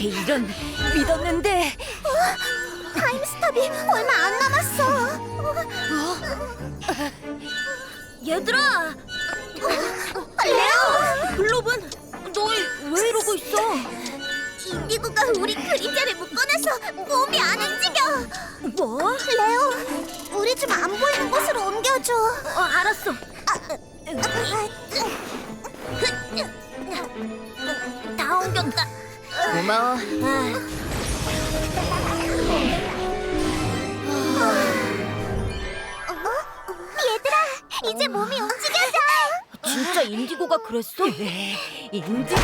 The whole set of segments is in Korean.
어떻게 이런 믿었는데. 타임스톱이 얼마 안 남았어. 얘들아, 레오! 글로브는 너희 왜 이러고 있어? 인디고가 우리 그림자를 묶어놔서 몸이 안 움직여. 뭐? 레오, 우리 좀 안 보이는 곳으로 옮겨줘. 알았어. 다 옮겼다. 고마워. 얘들아, 이제 몸이 움직여져. 진짜 인디고가 그랬어? 인디고!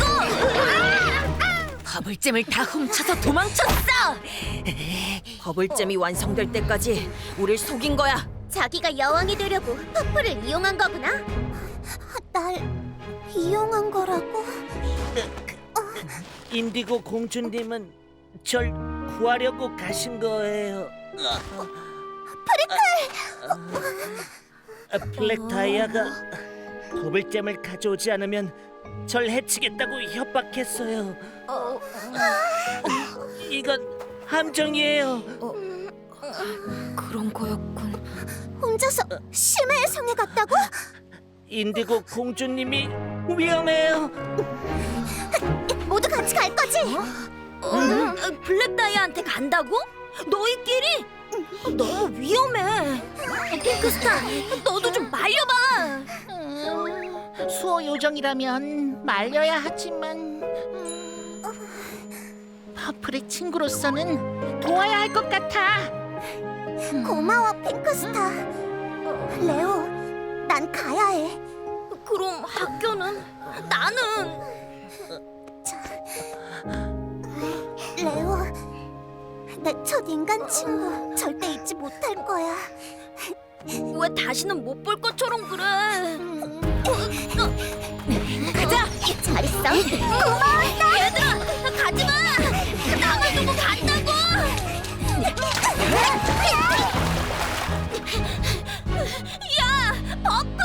버블잼을 다 훔쳐서 도망쳤어! 버블잼이 완성될 때까지 우릴 속인 거야. 자기가 여왕이 되려고 퍼플을 이용한 거구나. 날 이용한 거라고? 인디고 공주님은 절 구하려고 가신 거예요. 블랙 다이아가 버블잼을 가져오지 않으면 절 해치겠다고 협박했어요. 이건 함정이에요. 그런 거였군. 혼자서 심해의 성에 갔다고? 인디고 공주님이 위험해요. 모두 같이 갈 거지? 블랙 다이아한테 간다고? 너희끼리? 너무 위험해. 핑크스타, 너도 좀 말려봐. 수호 요정이라면 말려야 하지만 퍼플의 친구로서는 도와야 할 것 같아. 고마워, 핑크스타. 레오, 난 가야 해. 그럼 학교는? 나는? 레오, 내 첫 인간 친구 절대 잊지 못할 거야. 왜 다시는 못 볼 것처럼 그래? 가자! 잘 있어. 고마웠어. 얘들아, 가지마! 나만 두고 간다고! 야, 버플!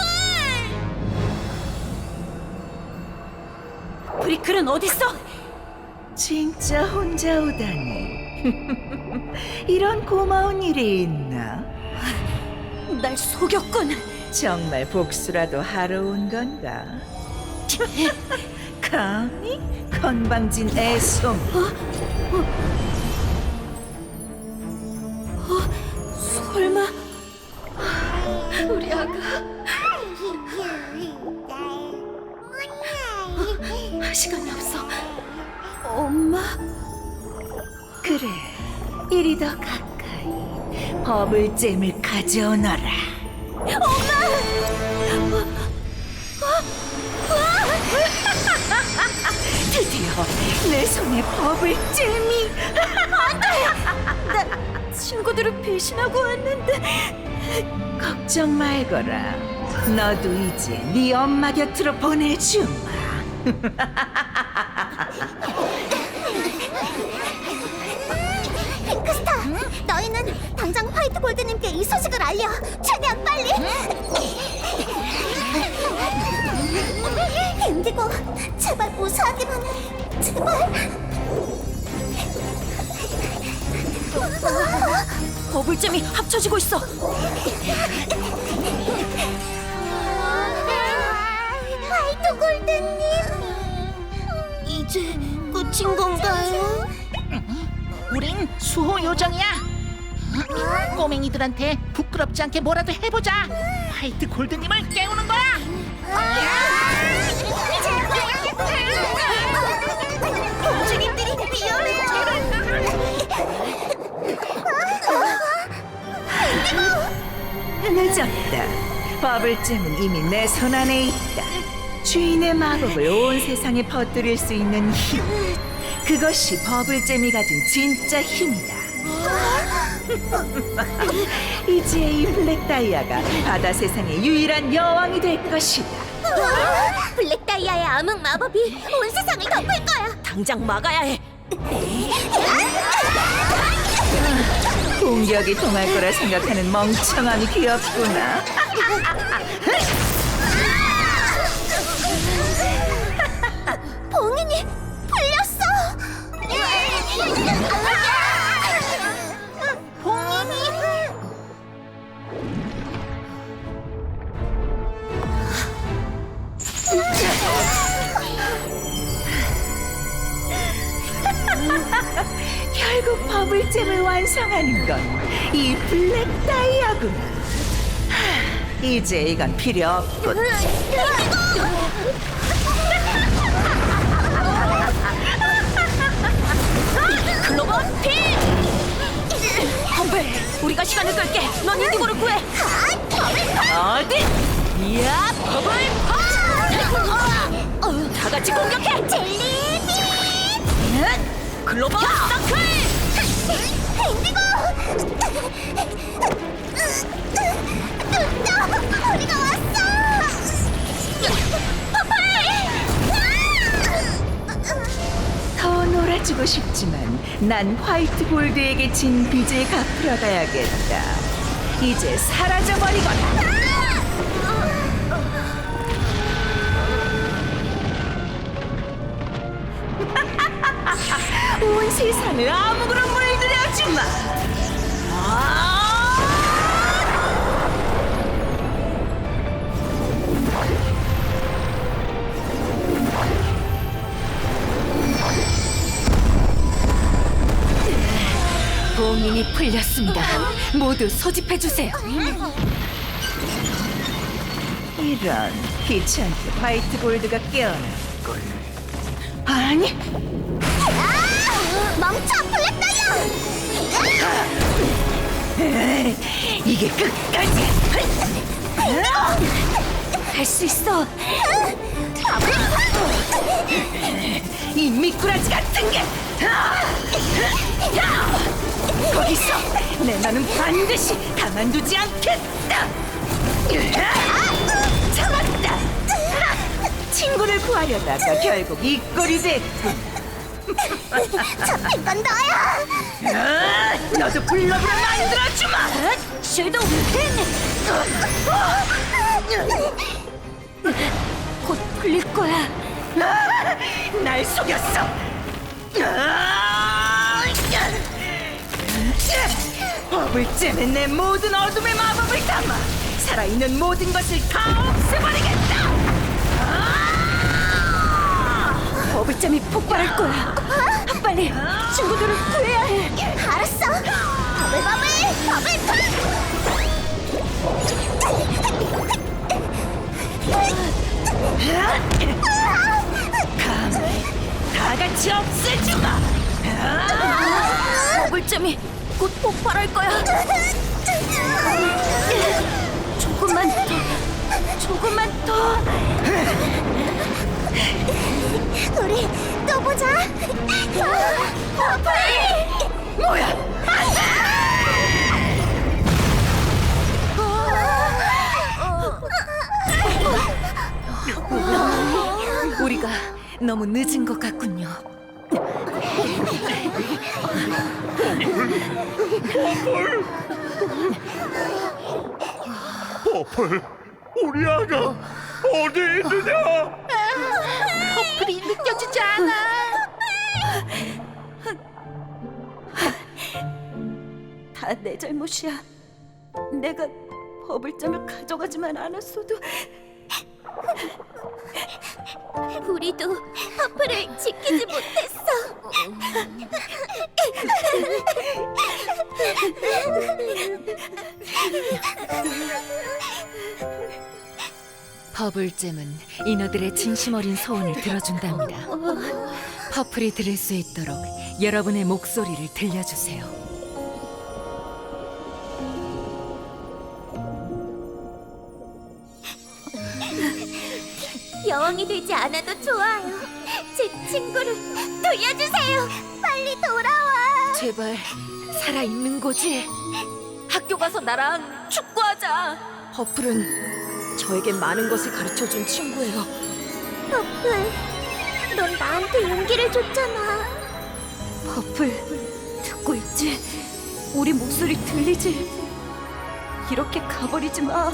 브리클은 어딨어? 진짜 혼자 오다니. 이런 고마운 일이 있나? 날 속였군. 정말 복수라도 하러 온 건가? 감히 건방진 애송. 설마 우리 아가 시간이 없어. 엄마? 그래, 이리 더 가까이 버블잼을 가져오너라. 드디어 내 손에 버블잼이. 친구들을 배신하고 왔는데. 걱정 말거라. 너도 이제 네 엄마 곁으로 보내주마. 핑크스타, 너희는 당장 화이트 골드님께 이 소식을 알려. 최대한 빨리. 인디고, 제발 무사하기만 해. 제발. 버블잼이 합쳐지고 있어. 화이트 골드님. 이제 끝인 건가요? 우린 수호 요정이야. 꼬맹이들한테 부끄럽지 않게 뭐라도 해보자. 화이트 골드님을 깨우는 거야. 공주님들이 위험해요. 늦었다. 버블잼은 이미 내 손 안에 있다. 주인의 마법을 온 세상에 퍼뜨릴 수 있는 힘. 그것이 버블잼이 가진 진짜 힘이다. 이제 이 블랙 다이아가 바다 세상의 유일한 여왕이 될 것이다. 블랙 다이아의 암흑 마법이 온 세상을 덮을 거야. 당장 막아야 해. 공격이 통할 거라 생각하는 멍청함이 귀엽구나. 봉인이 풀렸어. 버블잼을 완성하는 건 이 블랙 다이아구나. 이제 이건 필요 없군. 클로버 핀! 험블, 우리가 시간을 끌게. 넌 인디고를 구해. 어디? 이야, 버블 다 같이 공격해. 젤리빔! 클로버 서클! 인디고! 눈떠! 우리가 왔어! 더 놀아주고 싶지만 난 화이트 골드에게 진 빚을 갚으러 가야겠다. 이제 사라져버리거라. 온 세상을 암흑으로 물들여주마. 봉인이 풀렸습니다. 모두 소집해 주세요. 이런 귀찮게 화이트 골드가 깨어났군. 아니, 멈춰, 블랙 다이아! 이게 끝까지. 할 수 있어. 이 미꾸라지 같은 게. 거기서 내 나는 반드시 가만두지 않겠다. 참았다. 친구를 구하려다가 결국 이 꼴이 됐군. 잡힌 건 너야! 너도 블러브를 만들어주마. 섀도우 곧 풀릴 거야. 날 속였어. 버블잼에 내 모든 어둠의 마법을 담아 살아있는 모든 것을 다 없애버리겠다. 버블잼이 폭발할 거야. 빨리 친구들을 구해야 해. 알았어! 다 같이 없애주마. 버블잼이 곧 폭발할 거야. 조금만 더. 우리 또 보자! 버블! 뭐야? 우리가 너무 늦은 것 같군요. 버플, 우리 아가 어디 있느냐? 퍼플이 느껴지지 않아. 다 내 잘못이야. 내가 버블잼을 가져가지만 않았어도. 우리도 퍼플을 지키지 못했어. 버블잼은 인어들의 진심 어린 소원을 들어준답니다. 퍼플이 들을 수 있도록 여러분의 목소리를 들려주세요. 여왕이 되지 않아도 좋아요. 제 친구를 돌려주세요. 빨리 돌아와. 제발 살아있는 거지? 학교 가서 나랑 축구하자. 퍼플은 저에게 많은 것을 가르쳐준 친구예요. 퍼플, 넌 나한테 용기를 줬잖아. 퍼플, 듣고 있지? 우리 목소리 들리지? 이렇게 가버리지 마.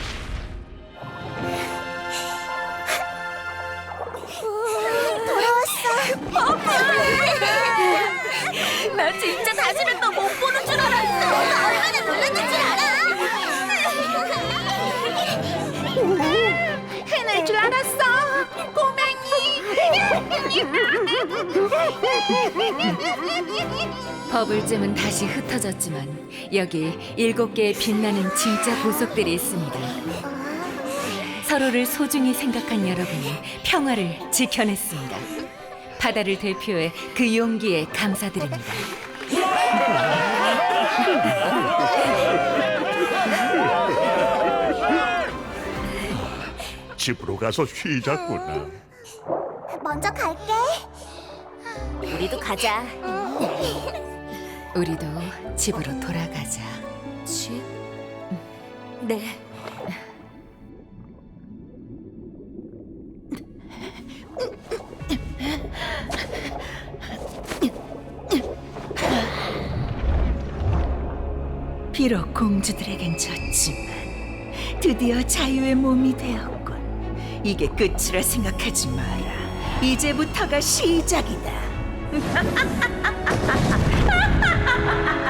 돌아왔어. 버블잼은 다시 흩어졌지만 여기 7개의 빛나는 진짜 보석들이 있습니다. 서로를 소중히 생각한 여러분이 평화를 지켜냈습니다. 바다를 대표해 그 용기에 감사드립니다. 집으로 가서 쉬자꾸나. 먼저 갈게. 우리도 가자. 우리도 집으로 돌아가자. 집? 네. 비록 공주들에겐 졌지만 드디어 자유의 몸이 되었군. 이게 끝이라 생각하지 마라. 이제부터가 시작이다.